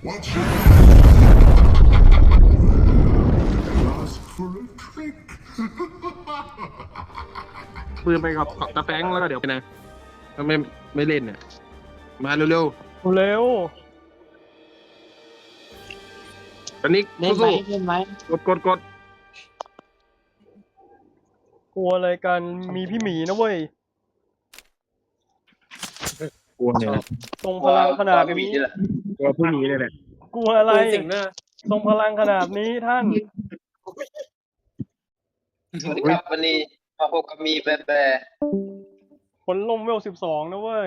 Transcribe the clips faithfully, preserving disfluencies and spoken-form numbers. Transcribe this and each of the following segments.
Watch it. Ask for a trick. ปืนไปกับตะแฟงแล้วก็เดี๋ยวไปนะถ้าไม่ไม่เล่นเนี่ยมาเร็วเร็วๆตอนนี้เล่นไหมสู้เล่นไหมๆกดกดกดกลัวอะไรกันมีพี่หมีนะเว้ยกลัวเนี่ยทรงพลังขนาดนี้กลัวผู้หนีเลยแหละกลัวอะไรสิ่งหน้าทรงพลังขนาดนี้ท่านสวัสดีครับวันนี้มาพบกับมีแปรแปรผลลมเวลสิบสองนะเว้ย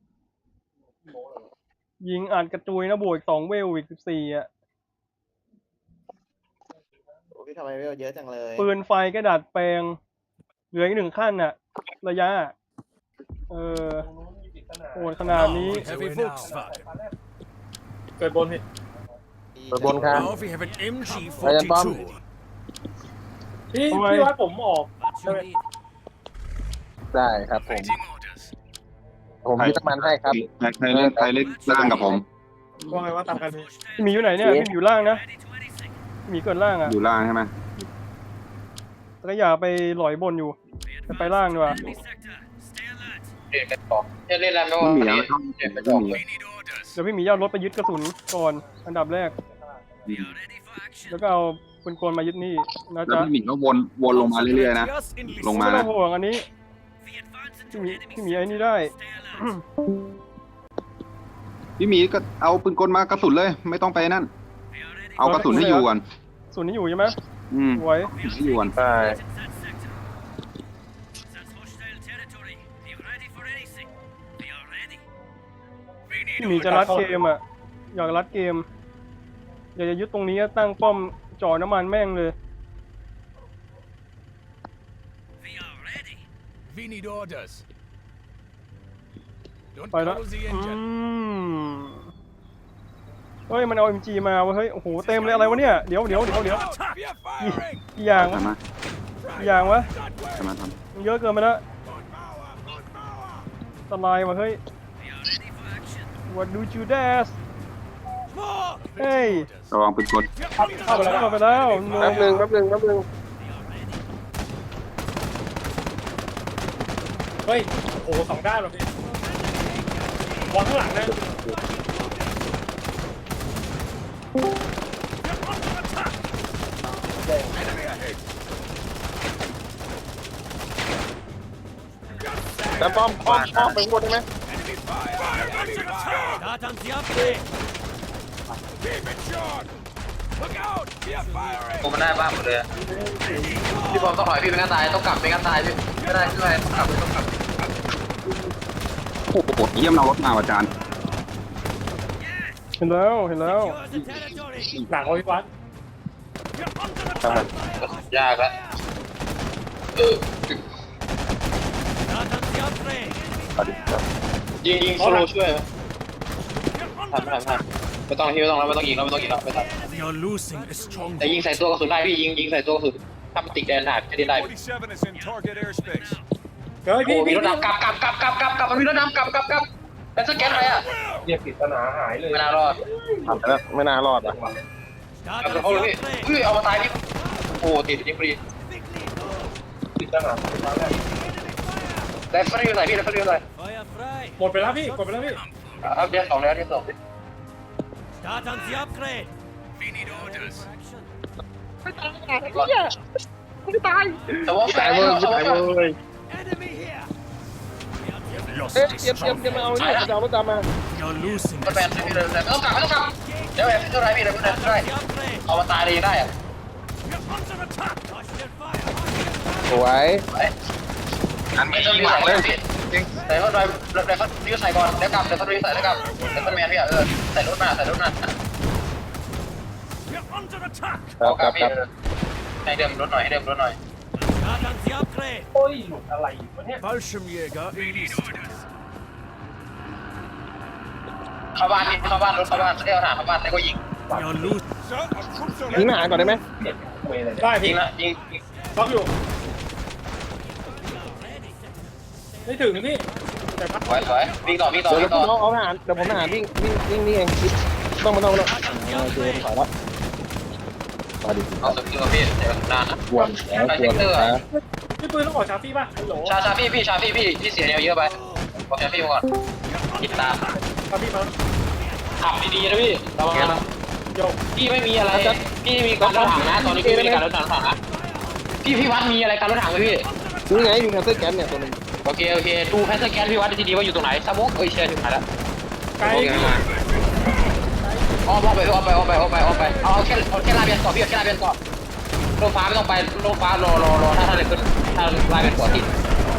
ยิงอัดกระจุยนะบวกอีกสองเวลอีกสิบสี่อ่ะโอ้พี่ทำไมเวลเยอะจังเลยปืนไฟก็ดัดแปลง เหลืออีกหนึ่งขั้นน่ะ ระยะ เออโหดขนาดนี้ Heavy Volkswagen. เกิดบนพี่ไปบนครับ Now we have an M G ไปกันป้อม forty-two. พี่ทำไมพี่ว่าผมออก What you need? ได้ครับผม Waiting orders. ผมยึดน้ำมันให้ครับใครใครเล่นใครเล่นล่างกับผมว่าไงว่าตามกันพี่พี่หมีอยู่ไหนเนี่ยพี่หมีอยู่ล่างนะพี่หมีเกิดล่างอ่ะอยู่ล่างใช่ไหมแต่ก็อย่าไปหลอยบนอยู่จะไปล่างดีกว่าเด็กกันต่อจะเล่นอะไรไม่ไม่ว่ามีวันแล้วนี้ต้องเด็กไปไม่บอกมีเลย We need orders. เดี๋ยวพี่หมีเอารถไปยึดกระสุนก่อนอันดับแรก We are ready for action. แล้วก็เอาปืนกลมายึดนี่นะแล้วจ๊ะพี่หมิงก็วนวนลงมาเรื่อยๆนะ Just in ลงไม่มาต้องห่วงอันนี้ We advance พี่ into หมี enemy พี่หมีไอ้นี่ได้ Stay alert. พี่หมีก็เอาปืนกลมากระสุนเลย ไม่ต้องไปนั่น We are ready เอากระสุนให้อยู่ก่อนส่วนนี้อยู่ใช่ไหมอืมไว้ให้อยู่ก่อนใช่ in that sector. That's hostile territory. Be ready for anything. We are ready. We พี่ need หมีจะรัดเกมอ่ะ อยากรัดเกม อยากจะยึดตรงนี้ตั้งป้อมจ่อน้ำมันแม่งเลย We are ready. We need orders. Don't ไปแล้ว close the อื engine. มเฮ้ยมันเอา เอ็ม จี มาเว้ยเฮ้ยโอ้โหเต็มเลยอะไรวะเนี่ยเดี๋ยวเดี๋ยวเดี๋ยวเดี๋ยว Attack! We are firing. กี่อย่างใช่วะไหมกี่อย่างวะใช่ไหมทมันเยอะเกินไปแล้วสลายวะเฮ้ย We are ready for action. What do you dare More. เฮ้ยำระวังปืนกลเข้าไปแล้วเข้าไปแล้วโนแป๊บหนึ่งแป๊บหนึ่งแป๊บหนึ่งเฮ้ยโอ้โหสองด้านแบบพี่วางข้างหลังนะแต่ป้อมป้อมป้อมไปหมดได้ไหม Start on the upgrade. Keep it short. Look out. We are firing. ผมมันได้บ้างหมดเลยอะพี่บอมต้องถอยพี่เป็นกันตายต้องกลับเป็นกันตายพี่ไม่ได้ช่วยต้องกลับต้องกลับโอ้โหเยี่ยมเรารถมาอาจารย์เห็นแล้วเห็นแล้ว Secure the territory. หนักกว่าพี่วัด You're under attack. ยากแล้วเออ Start on the upgrade. ยิงยิงโซโลช่วยไหมทำทำทำไม่ต้องที่ไม่ต้องแล้วไม่ต้องยิงแล้วไม่ต้องยิงแล้วไม่ต้อง We are losing a strong แต่ยิงใส่ตัวกระสุนได้พี่ยิงยิงใส่ตัวกระสุนถ้ามันติดแดนหนาจะได้ได้ forty-seven is in target airspace. เฮ้ยโอ้พี่มีพี่รถดำกลับกลับกลับกลับกลับกลับมันมีรถดำกลับกลับกลับแล้วสแกนอะไรอ่ะเรียกผิดปัญหาหายเลยไม่น่ารอดไม่น่ารอดอ่ะ Start กลับ on โอ้ย the upgrade. เฮ้ยเอามาตายพี่โอ้ติดยิงฟรีผิดปัญหาตอนแรกแลฟเฟอร์อยู่ไหนพี่แลฟเฟอร์อยู่ไหน Fire fry. หมดไปแล้วพี่หมดไปแล้วพี่อัพเดทสองแล้วที่สอง Start on the upgrade. We need orders. แต่ว่าแฟตายนเว้ยแต่ว่าตายแฟนเว้ย Enemy here. We are You've lost เอ๊ะ a เตรียมเตรียม strong เตรียมเอา unit. เนี่ยจะเอารถตามมา We are losing มันแฟนพี่เลยไม่ต้องกลับไม่ต้องกลับเดี๋ยวแอบเท่าไรพี่เดี๋ยวไม่ได้ไม่ได้ the upgrade. เอามาตายเลยได้อะ You're under attack. Touch their fire. สวยอันไม่นี้ต้องยิรีงบหลังเลยพี่ใส่เข้าไปใส่เข้ารีบใส่ก่อนแล้วกลับแล้วก็รีบใส่แล้วกลับแล้วก็แมนพี่อ่ะเออใส่รถมาใส่รถมา We're under attack. ครัเอาบกคลัรับบ พี่ครับให้เดิมรถหน่อยให้เดิมรถหน่อย Start on the upgrade. โอ้ยหลุดอะไรวะเนี่ย Fallschirmjäger in orders. เข้าบ้านนี่เข้าบ้านรถเข้าบ้านเรียกทหารเข้าบ้านแล้วก็ยิง We are losing. Sir, our troops are ยิงทหารก่อนได้ไหมได้ยิพี่งนะยิงล็อกอยู่ไม่ถึงนะพี่แต่พักสวยสวยวิ่งต่อวิ่งต่อเดี๋ยววิ่งต่อผมเอาเอาทหารเดี๋ยวผมทหารวิ่งวิ่งวิ่งนี่เองต้องมาต้องมาต้องโอเคถอยแล้วมาดิเอาสกิลพี่เดี๋ยวด้านนะกวนแล้วกวนแล้วพี่ปืนต้องออกชาร์ฟี่ป่ะฮัลโหลชาชาพี่พี่ชาพี่พี่พี่เสียแนวเยอะไปบอกชาพี่มาก่อนติดตามชาร์ฟี่มาขับดีๆนะพี่ระวังนะโยกพี่ไม่มีอะไรพี่มีการรถถังนะตอนนี้พี่ไม่มีการรถถังนะพี่พี่วัดมีอะไรการรถถังไหมพี่นี่ไงมีแคสเซิลแก๊สเนี่ยตัวนึงโอเคโอเคดูแพทเทิร์นแกนพี่วัดดีๆว่าอยู่ตรงไหนสมุกเอ้ยเชียร์ถึงไหนแล้วไกลโอเคมาอ้อมอ้อมไปอ้อมไปอ้อมไปอ้อมไปอ้อมไปเอาเอาแค่เอาแค่ลาเบียนก่อนพี่เอาแค่ลาเบียนก่อนโลฟ้าไม่ต้องไปโลฟ้ารอรอรอถ้าถ้าเลยขึ้นถ้าลาเบียนก่อนติด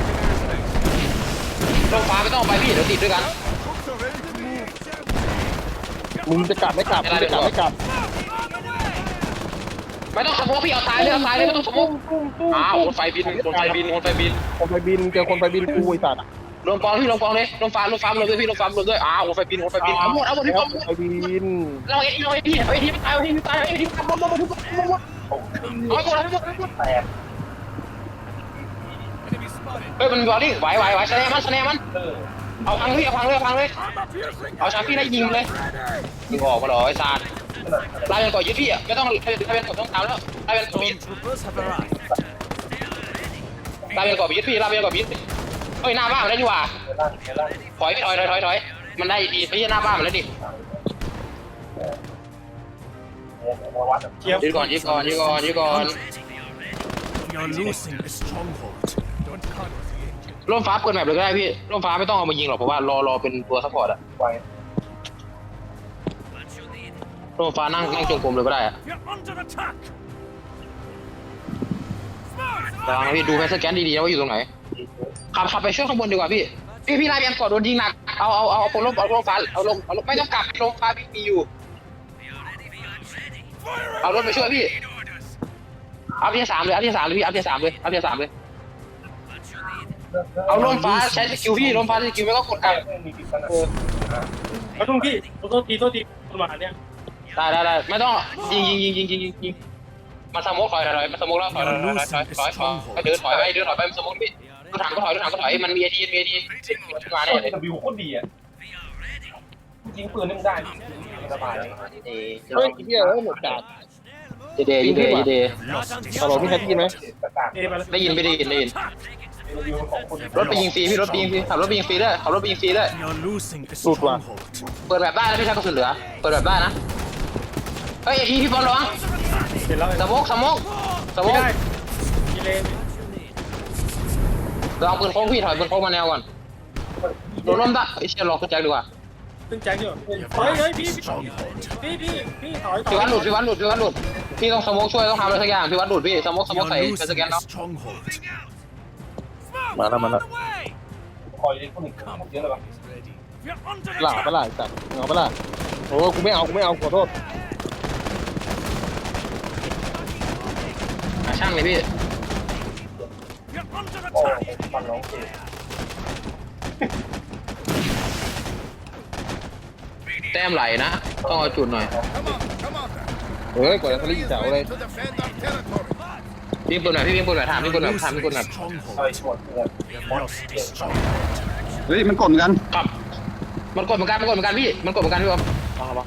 โลฟ้าไม่ต้องไปพี่เดี๋ยวติดด้วยกันมึงจะกลับไม่กลับมึงจะกลับไม่กลับไม่ต้องสมุกพี่เอาตายเลยเอาตายเลยไม่ต้องสมุกอ้าวคนไฟบินคนไฟบินคนไฟบินคนไปบินเจอคนไปบินกูไอ้สัตว์ลงกองพี่ลงกองเลยลงฟ้าลงฟ้าลงด้วยพี่ลงฟ้าลงด้วยอ้าวคนไฟบินคนไฟบินเอาหมดเอาหมดพี่เอาหมดไปบินเราเอ็เราเอ็พี่เอาเอ็ที่ตายเอาเอ็ที่ตายเอาเอ็ที่ตายหมดหมดหมดหมดหมดหมดเอาหมดเอาหมดเอาหมดเฮ้ยมันบอลลี่ไหวไหวไหวสแนมันสแนมันเอาพังพี่เอาพังเลยเอาพังเลยเอาชาพี่ได้ยิงเลยยิงออกมาหรอไอ้ซาดลายเป็นก่อนยึดพี่อ่ะไม่ต้องลายเป็นก่อนต้องตามแล้วลายเป็นก่อนยึดลายเป็นก่อนยึดพี่ลายเป็นก่อนยึดเฮ้ยหน้าบ้านมันได้ดีกว่าถอยพี่ถอยถอยถอยถอยมันได้ดีไม่ใช่หน้าบ้านมันแล้วดิเทียบยืดก่อนยืดก่อนยืดก่อนยืดก่อน You're losing a stronghold. Don't cut the ร่มฟ้าเปิดแมปเลยก็ได้พี่ร่มฟ้าไม่ต้องเอามายิงหรอกเพราะว่ารอรอเป็นตัวซัพพอร์ตอะร่มฟ้านั่งนั่งจงกรมเลยก็ได้อะ You're under attack. ระวังนะพี่ดูแพทเทิร์นแกนดีๆนะว่าอยู่ตรงไหนขับขับไปช่วยข้างบนดีกว่าพี่พี่พี่ไล่เบียนก่อนโดนยิงหนักเอาเอาเอาเอาลมเอาลมฟ้าเอาลมเอาลมไม่ต้องกลับลมฟ้าพี่มีอยู่เอารถไปช่วยพี่เอาเทียสามเลยเอาเทียสามเลยพี่เอาเทียสามเลยเอาเทียสามเลยเอาลมฟ้าใช้สกิลพี่ลมฟ้าสกิลไม่ก็กดกลับเอาทุ่งพี่โทษทีโทษทีคนมาเนี่ยได้ได้ได้ไม่ต้องยิงยิงยิงยิงยิงยิงยิงมาสโมกถอยถอยมาสโมกแล้วถอยถอยถอยถอยถอยถอยไปเดินถอยไปเดินถอยไปสโมกพี่รถถังก็ถอยรถถังก็ถอยมันมีไอทีมีไอทีมาเนี่ยเลยบิวโคตรดีอ่ะยิงปืนนี่มันได้สบายเฮ้ยเฮียแล้วหมดกาดเจเดย์เจเดย์เจเดย์ตลอดพี่แคทยินไหมเอไปแล้วได้ยินไม่ได้ยินได้ยินรถไปยิงฟรีพี่รถไปยิงฟรีขับรถไปยิงฟรีด้วยขับรถไปยิงฟรีด้วย You're losing a Lụt vào. stronghold. เปิดแบบได้นะพี่ชายกระสุนเหลือเปิดแบบได้นะเฮ้ยไอทีพี่บอลระวังเสร็จแล้วสโมกสโมกสโมไม่กได้กิเลนระวังปืนโค้งพี่ถอยปืนโค้งมาแนวก่อนโดนล้มได้ไอเชียร์ล็อกกระจายดีกว่าตึงแจ็คอยู่เฮ้ยเฮ้ยพี่พี่พี่พี่ถอยถอพี่ยวัดหลุดพี่วัดหลุดพี่วัดหลุดพี่ต้องสโมกช่วยต้องทำอะไรสักอย่างพี่วัดหลุดพี่สโมกสโมก You're ใส่เป็น losing สแกน a เนาะ stronghold. มาแล้วมาแล้วคอยพวกนี้เยอะเลยป่ะ You're under หล่า attack. ปะล่ะสัตว์เอาปะล่ะโอ้กูไม่เอากูไม่เอาขอโทษช่างเลยพี่ You're under attack. มันร้องเพลงแต้มไหลนะต้องเอาจุดหน่อยเฮ้ยกว่าจะทะลุเสาเลยพี่ปืนหน่อยพี่พี่ปืนหน่อยถามพี่ปืนหน่อย You're ถามพี่ปืนห losing น่อย a stronghold. เฮ้ยหมดเลย You've lost a stronghold. เฮ้ยมันกดกันครับมันกดเหมือนกันมันกดเหมือนกันพี่มันกดเหมือนกันพี่บอมเอาครับ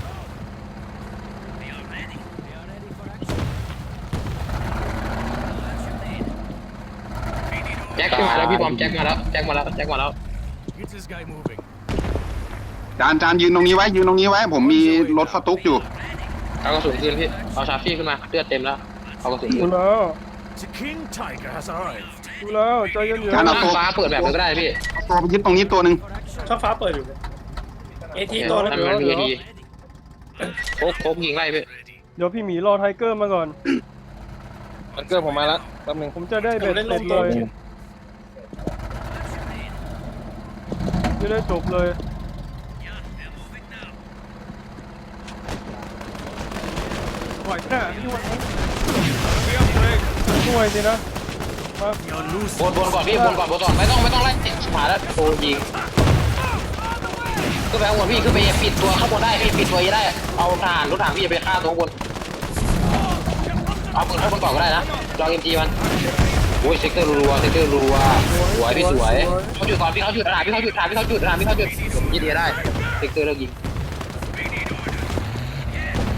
แจ็คขึ้นมาแล้วพี่บอมแจ็คมาแล้วแจ็คมาแล้วแจ็คมาแล้ว Get this guy moving. จานจานยืนตรงนี้ไว้ยืนตรงนี้ไว้ผมมีรถสตุ๊กอยู่เอากระสุนคืนพี่เอาชาร์ฟี่ขึ้นมาเลือดเต็มแล้วเอากระสุนคืดูนแล้ว The King Tiger has arrived. ดูแล้วใจเย็นจานเอาข้างฟ้าเปิดแบบมันก็ได้พี่เอาตัวไปยึดตรงนี้ตัวหนึ่งช่องฟ้าเปิดอยู่เอทีตัวนั้นนั่นมันมีดีโคกโคกยิงไล่พี่ๆเดี๋ยวพี่หมีรอไทเกอร์มาก่อนมันเกิดผมมาแล้วแป๊บนึงผมจะได้เบ็ดเสร็จเลยจะได้จบเลยไหวแน่พี่ไหวช่วยสินะมา You're บ losing. นบนก่อนพี่บนก่อนบนก่อนไม่ต้องไม่ต้องไล่ชิบหายแล้วโดนยิงขึ้นไปข้างบนพี่ขึ้นไปปิดตัวข้างบนได้พี่ปิดตัวได้เอาทหารรถถังพี่ไปฆ่าตัวข้างบนเอาปืนข้างบนก่อนก็ได้นะจองเอ็มจีมันโอ้ยเซกเตอร์รัวเซกเตอร์รัวสวยพี่สวยเขาหยุดก่อนพี่เขาหยุดทหารพี่เขาหยุดทหารพี่เขาหยุดทหารพี่เขาหยุดผมยิงดีได้เซกเตอร์เลิกยิง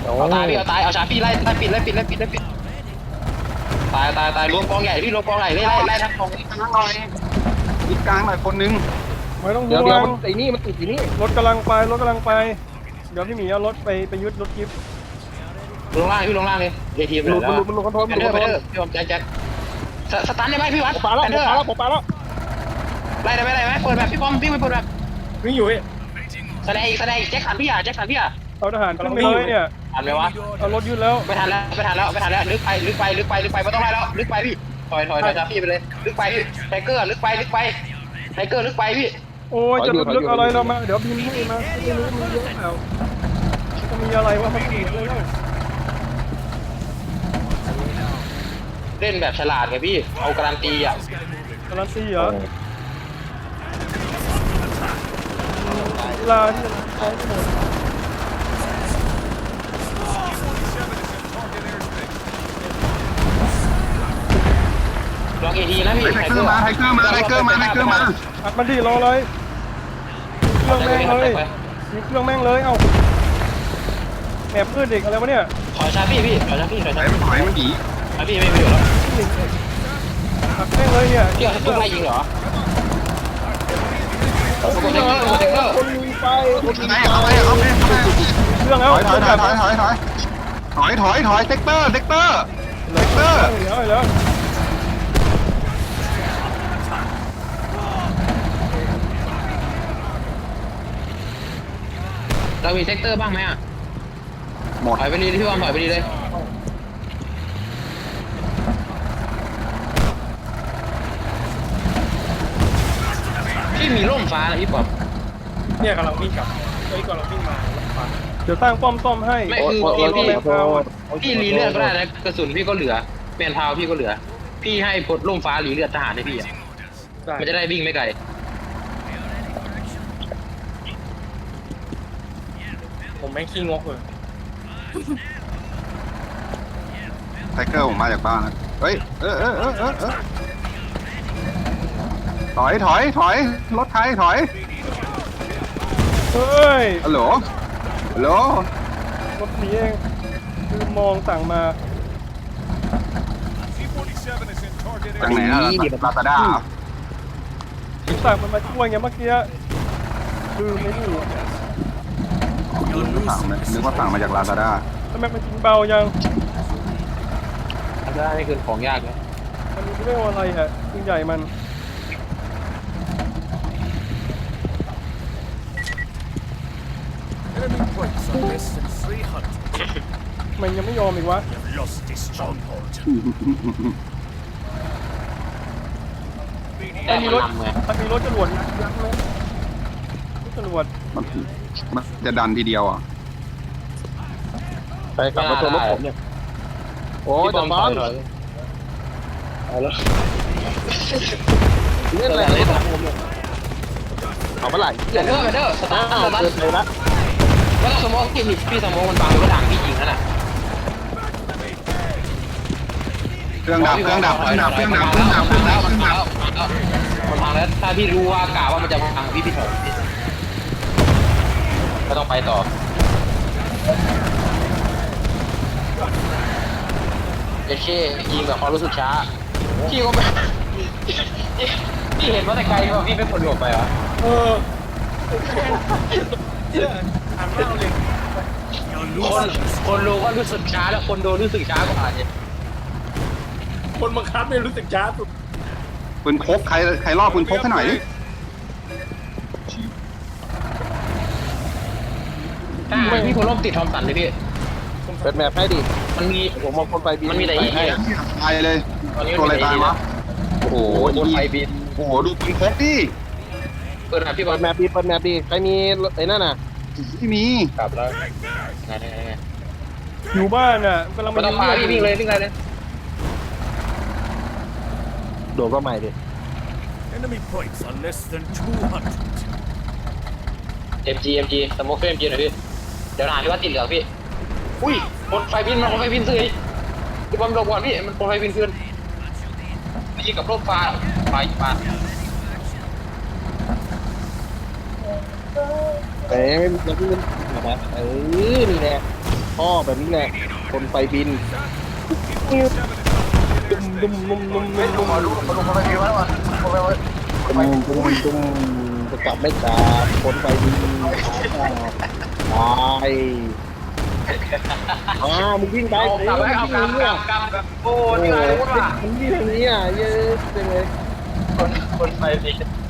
เอาตายพี่เอาตายเอาชาพี่ไล่ไล่ปิดไล่ปิดไล่ปิดไล่ปิดตายตายตายรวมกองใหญ่พี่รวมกองใหญ่ไล่ไล่ไล่ทั้งกองกลางหน่อยยิดกลางหน่อยคนนึงไม่ต้องเดี๋ยวห่เดี๋ยววมันงไอ้นี่มันติดไอ้นี่รถกำลังไปรถกำลังไป เดี๋ยวพี่หมีเอารถไปไปยึดรถกิฟต์ลงล่างพี่ลงล่างเลยเอทีมมันหลุดมันหลุดมันหลุดคอนโทรลแพมันนหเทลุอดร์คอนโทรลแพนเทอร์พี่ผมแจ็คแจ็คสตันได้ไหมพี่วัดผมปาแล้วแพผมนเทอร์ปาแล้วผมปาแล้วไล่ได้ไหมไล่ได้ไหมเปิดแบบพี่บอมพี่ไปเปิดแบบวิ่งอยู่พี่แสดงอีกแสดงอีกแจ็คสันพี่อ่ะแจ็คสันพี่อ่ะเอาทหารขึ้นไปเลยเนี่ยทันไหมวะเอารถยึดแล้วไม่ทันแล้วไม่ทันแล้วไม่ทันแล้วลึกไปลึกไปลึกไปลึกไปไม่ต้องไล่แล้วลึกไปพี่ถอยถอยถอยจากพี่ไปเลยลึกไปพี่ไทเกอร์ลึกไปลึกไปไทเกอร์ลึกไปพี่โอ้ยจะลึกๆอะไรเรามาเดี๋ยวพิมพ์ให้มาไม่รู้มันเยอะเปล่าจะมีอะไรวะมันเสียเลยแล้วเล่นแบบฉลาดไงพี่เอาการันตีอ่ะการันตีเหรอเวลาที่จะใช้หมดลองเอทีนะพี่ไทเกอร์มาไทเกอร์มาไทเกอร์มาไทเกอร์มาอัดมันดีรอเลยเครื่องแม่งเลยมีเครื่องแม่งเลยเอ้าแหมพืชเด็กอะไรวะเนี่ยขอชาพี่พี่ขอชาพี่ขอถชาอยพี่ถอยมันหนีชาพี่ไม่ไม่อยู่แล้วอัดแม่งเลยเนี่ยพี่เอาทุกไล่ยิงเหรอโอ้โหเทคเกอร์โอ้โหเทคเกอร์คนลุยไปไหนเอาไปเอาไปเอาไปเครื่องถแล้วอยถอยถอยถอยถอยถอยถอยถอยถอยเซกเตอร์เซกเตอร์เซกเตอร์เหลือแล้วเรามีเซกเตอร์บ้างไหมอ่ะหมดถอยไปดีพี่บอมถอยไปดีเลยพี่มีร่มฟ้านะพี่บอมเนี่ยกำลังวิ่งกลับเฮ้ยกำลังวิ่งมาแล้วฟังเดี๋ยวสร้างป้อมซ่อมให้ไม่คือพี่พี่พี่รีเลือดก็ได้นะกระสุนพี่ก็เหลือเปลี่ยนพาวพี่ก็เหลือ พี่ให้พดร่มฟ้ารีเลือดทหารให้พี่อ่ะได้มันจะได้วิ่งไม่ไกลผมแม่งขี้งกเลยไทเกอร์ผมมาจากบ้านนะเฮ้ยเออเออเออเออเออถอยถอยถอยรถไทยถอยเฮ้ยฮัลโหลฮัลโหลรถสีเองคือมองสั่งมาจากไหนนะลาซาด้าสั่งมันมาช่วยไงเมื่อกี้คือไม่รู้สั่งมานึกว่าสั่งมาจากลาซาด้าทำไมมันกินเบายังได้ไม่คือของยากนะมันมีเรื่องอะไรฮะยิงใหญ่มัน Enemy points are less than three hundred. มันยังไม่ยอมอีกวะ Lost this stronghold. แต่มันมีมันรถนำไงมันมีรถจรวดยักษ์ไหมรถจรวดมันมันจะดันทีเดียวอ่ะไปกลับมาชนรถผมเนี่ยโอ้ยพี่บแต่อมบถออลยถอยเอาแล้วเล่นอะไรเล่นผมเนี่ยเอาเมื่อไหร่เดอร์เดอร์เดอร์สตาร์ทอ้าวสตาร์เกินทไปละแล้วก็สมองพี่พี่สมองมันบังรถถังพี่ยิงนั่นน่ะเครื่องดับเครื่องดับเครื่องดับเครื่องดับเครื่องดับเครื่องดับเครื่องดับมันพังแล้วถ้าพี่รู้ว่ากะว่ามันจะพังพี่พี่ถอยก็ต้องไปต่อเอเช่ยิงแบบความรู้สึกช้าพี่ก็ไม่พี่เห็นว่าแต่ไกลว่าพี่ไม่คนหลบไปเหรอเออทำเล่าเลยคนคนรู้ก็รู้สึกช้าแล้วคนโดนรู้สึกช้ากว่าเนี่ยคนบังคับไม่รู้สึกช้าสุดปืนพกใครใครรอบปืนพกให้หน่อยดิถ้าพี่คนร่มติดทอมสันเลยพี่เป็นแมพให้ดิมันมีผมมองคนไปบินมันมีแต่อีกให้ตายเลยตัวอะไรตายวะโอ้โหโอ้โหไฟบินโอ้โหดูปืนพกดิเปิดหาพี่บอเปิลดแมปดิเปิดแมปดิใครมีไอ้นั่นน่ะที่มีกลับแล้วไงไงไงอยู่บ้านน่ะกำลังไม่ต้องพาพี่วิ่งเลยวิ่งเลยเลยโดดก็ใหม่ดิ Enemy points are less than two hundred. เอ็มจีเอ็มจีสโมกเฟมจีหน่อยพี่เดี๋ยวหาพี่ว่าติดเหลืองพี่อุ้ยคนไฟบินมันคนไฟบินซื้อพี่บอลหลบก่อนพี่มันคนไฟบินขึ้นมายิงกับโลกฟ้าไฟฟ้าเอ้ยเราเพิ่งนะเออนี่แหละท่อแบบนี้แหละคนไฟบินดุมดุมดุมดุมดุมดุมมาดูมาดูมาไปดีวะวะมาไปวะดุมดุมดุมจะกลับไม่กลับคนไฟบินตายอ่ามึงวิ่งไปเอากลับไปเอากลับกลับกลับแบบโอ้นี่อะไรวะมึงวิ่งทางนี้อ่ะเยอะจังเลยคนคนไปดี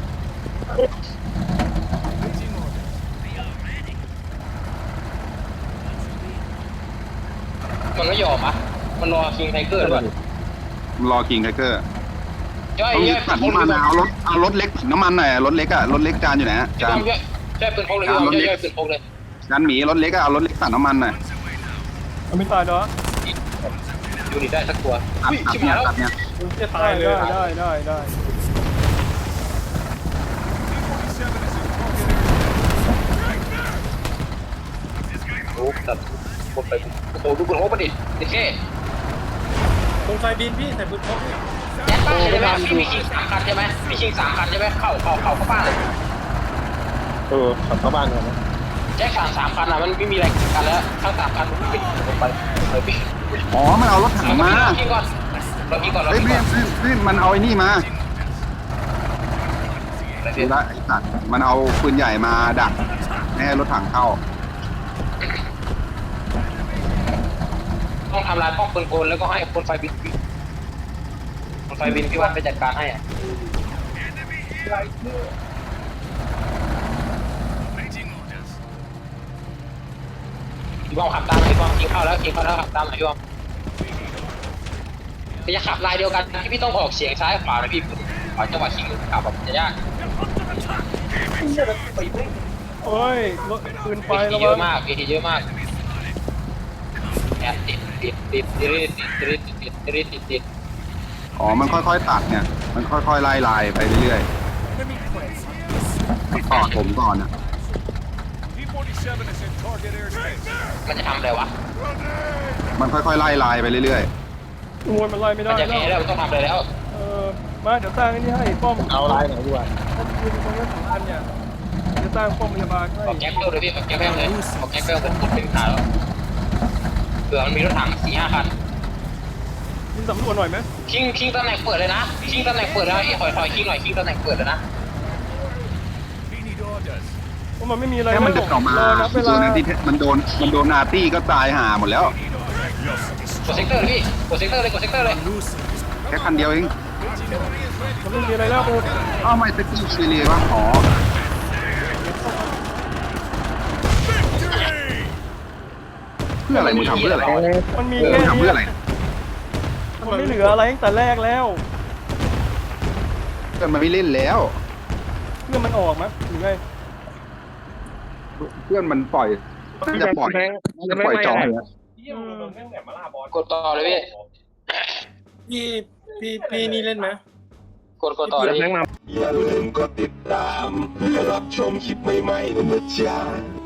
มันไม่ยอมอ่ะมันรอคิงไทเกอร์ด้วยรอกิงไทเกอร์ย่อยต้องย่อยตัดน้ำมันเอารถเอารถเล็กน้ำมันหน่อยรถเล็กอะรถเล็กจานอยู่ไหนจานย่อยย่อยปืนพกเลยย่อยย่อยปืนพกเลยจานหมีรถเล็กอะเอารถเล็กตัดน้ำมันหน่อยเอาไม่ตายเนาะดูดิได้สักตัวตัดอุ้ยตัดชิบเนี่หาย ยแล้วตัดเนี่ยจะตายเลยได้ได้ได้ได้โอ้ตัดคนไปโอ้โหดูปืนพกมาดิเด็กแค่ตรงไฟบินพี่ใส่ปืนพกพี่แจ็คบ้านใช่ไหมพี่มีคิงสามคันใช่ไหมมีคิงสามคันใช่ไหมเข้าเข้าเข้าเข้าบ้านเลยเออขับเข้าบ้านก่อนนะแจ็คสามสามคันอ่ะมันไม่มีอะไรกันแล้วทั้งสามคันมันปิดลงไปเลยปิดอ๋อมันเอารถถังมาเราคิงก่อนเราคิงก่อนเราเฮ้ยคิงพี่ก่อนพี่พี่มันเอาไอ้นี่มาดูละไอ้สัตว์มันเอาปืนใหญ่มาดักไม่ให้รถถังเข้าต้องทำลายป้องปืนกลแล้วก็ให้คนไฟบินคนไฟบินพี่วันไปจัดการให้อ่ะ Waiting orders. พี่บอมขับตามพี่บอมยิงเข้าแล้วยิงเข้าแล้วขับตามหน่อยพี่บอมจะขับลายเดียวกันที่พี่ต้องออกเสียงซ้ายขวานะพี่ขวาจังหวะชิงขับแบบจะยากโอ้ยรถปืนไฟเอระทีเยวัอะงมากเอทีเยอะมากเนี่ยติดติดติดติดติดติดติดติดติดติดอ๋อมันค่อยๆตัดเนี่ยมันค่อยๆไล่ลายไปเรื่อยๆต่อผมก่อนอะ P forty-seven is in target airspace. มันจะทำอะไรวะมันค่อยๆไล่ลายไปเรื่อยขโมยมันไล่ไม่มัได้นจะแล้แพ้วแล้วมันต้องทำอะไรแล้วเออมาเดี๋ยวสร้างไอ้นี่ให้ป้อมเอาลายไหนดีกว่าป้อมปืนตรงนี้สำคัญเนี่ยจะสร้างป้อมพยาบาลให้ออกแก๊ปเปิลเลยพี่ออกแก๊ปเปิลเลยออกแก๊ปเปิลเป็นคนเป็นขาแล้วเผื่อมันมีรถถังสี่ห้าคันยิงสำรวจหน่อยไหมคิงคิงตำแหน่งเปิดเลยนะคิงตำแหน่งเปิดแล้วไอ้ถอยถอยคิงหน่อยคิงตำแหน่งเปิดเลยนะ We need orders. เพราะมันไม่มีอะไรๆแค่มันเดินออกมารอนับเวโดลานอาร์ตี้มันโดนมันโดนอาร์ตี้ก็ตายห่าหมดแล้วกดเซกเตอร์เลยพี่กดเซกเตอร์เลยกดเซกเตอร์เลยแค่คันเดียวเองมันไม่มีอะไรแล้วโอ้อ้าวไม่สกิลซีเรียวะอ๋อเพื่ออะไรมึงทำเพื่ออะไรมันมีเออแค่มึงทำเพื่ออะไรมันไม่เหลืออะไรตั้งแต่แรกแล้วเพื่อนมันไม่เล่นแล้วเพื่อมันออกมั้ยหรือไงเพื่อนมันปล่อยจะปล่อยจะปล่อยจองเลยกดต่อเลยพี่พี่พี่พี่นี่เล่นไหมกดกดต่อเลยแม่งมาอย่าลืมกดติดตามเพื่อรับชมคลิปใหม่ๆนะจ๊ะ